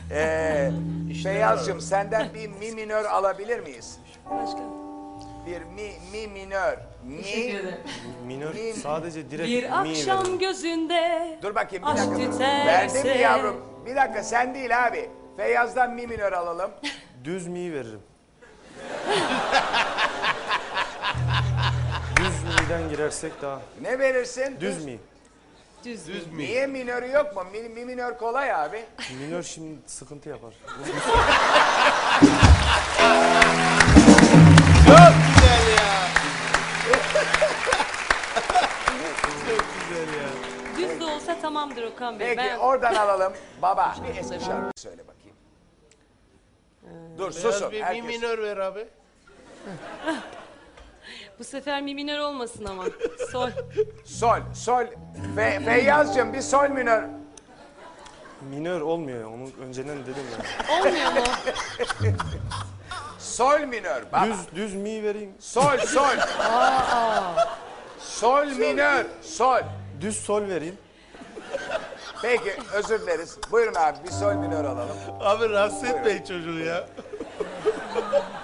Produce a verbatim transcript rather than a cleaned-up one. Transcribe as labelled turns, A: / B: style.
A: Ee, Feyyaz'cığım senden bir mi minör alabilir miyiz?
B: Başka.
A: Bir mi, mi minör. Mi,
B: Teşekkür ederim.
C: Minör
A: Mi-
C: sadece direkt
B: Bir
C: mi
B: akşam
C: verin.
B: gözünde
A: dur bakayım bir
B: aşk
A: dakika.
B: tüterse.
A: Verdin mi yavrum? Bir dakika sen değil abi. Feyyaz'dan mi minör alalım.
C: Düz mi veririm. Düz mi'den girersek daha.
A: Ne verirsin?
C: Düz mi?
B: Düz.
D: Düz mü?
A: Niye minörü yok mu? Mi, mi minör kolay abi.
C: Minör şimdi sıkıntı yapar.
D: Çok güzel ya. Çok güzel ya.
B: Düz de olsa tamamdır Okan Bey.
A: Peki
B: Ben
A: oradan alalım. Baba bir eski şarkı söyle bakayım. Dur
D: Biraz
A: susun.
D: bir mi
A: Herkes.
D: minör ver abi.
B: bu sefer mi minör olmasın ama. Sol.
A: Sol, sol. Fe, Feyyaz'cığım bir sol minör.
C: Minör olmuyor, onu önceden dedim ya.
B: Olmuyor mu?
A: Sol minör. Baba.
C: Düz, düz mi vereyim.
A: Sol, sol. Sol minör, sol.
C: Düz sol vereyim.
A: Peki özür dileriz. Buyurun abi bir sol minör alalım.
D: Abi rahatsız etmeyin çocuğu ya.